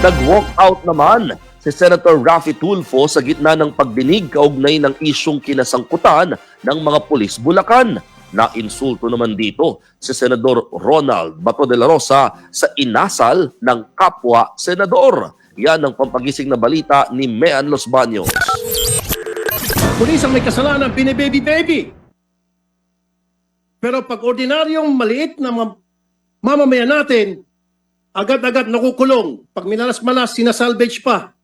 Nag-walk out naman si Senator Raffy Tulfo sa gitna ng pagdinig kaugnay ng isyong kinasangkutan ng mga pulis Bulacan. Na-insulto naman dito si Senador Ronald Bato de la Rosa sa inasal ng kapwa senador. Yan ang pampagising na balita ni Mean Los Baños. Pulis ang may kasalanan, binibaby-baby. Pero pag ordinaryong maliit na mamamayan natin, agad-agad nakukulong. Pag minalas-malas, sinasalvage pa.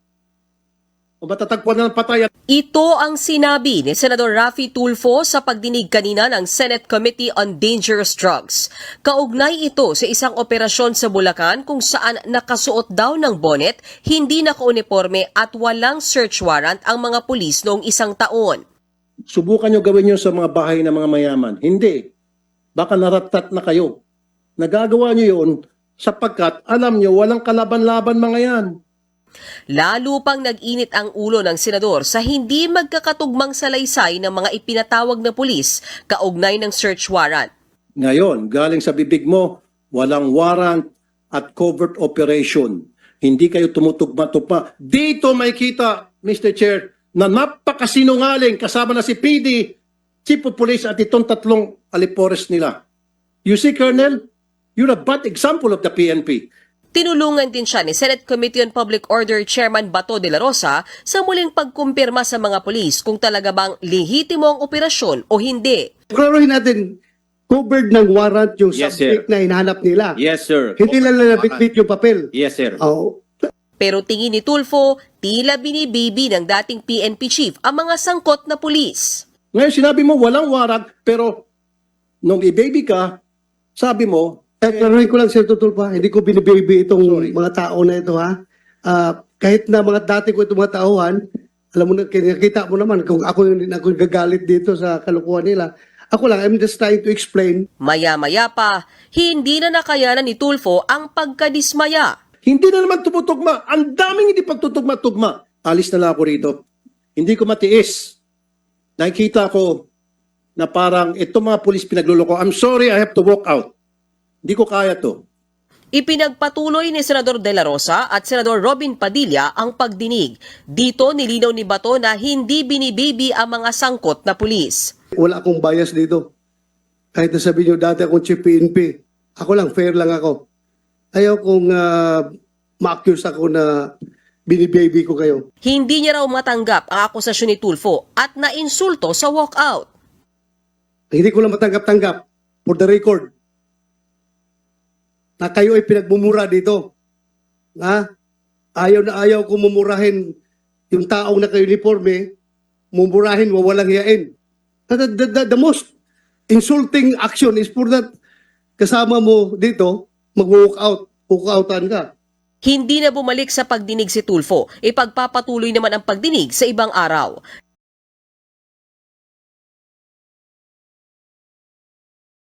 O matatagpuan na ng patay. Ito ang sinabi ni Senador Raffy Tulfo sa pagdinig kanina ng Senate Committee on Dangerous Drugs. Kaugnay ito sa isang operasyon sa Bulacan kung saan nakasuot daw ng bonnet, hindi nakauniforme at walang search warrant ang mga pulis noong isang taon. Subukan nyo gawin nyo sa mga bahay ng mga mayaman. Hindi. Baka naratat na kayo. Nagagawa nyo yun sapagkat alam nyo walang kalaban-laban mga yan. Lalo pang nag-init ang ulo ng senador sa hindi magkakatugmang salaysay ng mga ipinatawag na pulis kaugnay ng search warrant. Ngayon, galing sa bibig mo, walang warrant at covert operation. Hindi kayo tumutugma-tugma. Dito may kita, Mr. Chair, na napakasinungaling kasama na si PD, Chief of Police at itong tatlong alipores nila. You see, Colonel, you're a bad example of the PNP. Tinulungan din siya ni Senate Committee on Public Order Chairman Bato de la Rosa sa muling pagkumpirma sa mga pulis kung talaga bang lehitimo ang operasyon o hindi. Klaruhin natin, covered ng warrant yung Yes, subject sir. na hinahanap nila. Yes, sir. Hindi lang nabitbit yung papel. Yes, sir. Oh, Pero tingin ni Tulfo, tila binibibi ng dating PNP chief ang mga sangkot na pulis. Ngayon, sinabi mo walang warrant, pero nung i-baby ka, sabi mo, klaruhin ko lang, Sir Tutulpa, hindi ko binibaby itong mga tao na ito, ha? Kahit na mga dati ko itong mga tauhan, alam mo na, nakita mo naman kung ako yung gagalit dito sa kalukuhan nila. Ako lang, I'm just trying to explain. Maya-maya pa, hindi na nakayanan ni Tulfo ang pagkadismaya. hindi na naman tumutugma. Ang daming hindi pagtutugma-tugma. Alis na lang ako rito. Hindi ko matiis. Nakikita ko na parang itong mga pulis pinagluloko. I'm sorry, I have to walk out. Hindi ko kaya to. Ipinagpatuloy ni Senador De La Rosa at Senador Robin Padilla ang pagdinig. Dito nilinaw ni Bato na hindi binibibi ang mga sangkot na pulis. Wala akong bias dito. Kahit na sabihin nyo dati akong chief PNP, ako lang, fair lang ako. Ayaw kong ma-accuse ako na binibaby ko kayo. Hindi niya raw matanggap ang akusasyon ni Tulfo at nainsulto sa walkout. Hindi ko lang matanggap-tanggap, for the record, na kayo ay pinagmumura dito. Ha? Ayaw na ayaw ko mumurahin yung taong naka-uniforme, mumurahin, wawalang hiyain. The most insulting action is for that kasama mo dito, mag-walk out, walk-outan ka. Hindi na bumalik sa pagdinig si Tulfo, ipagpapatuloy naman ang pagdinig sa ibang araw.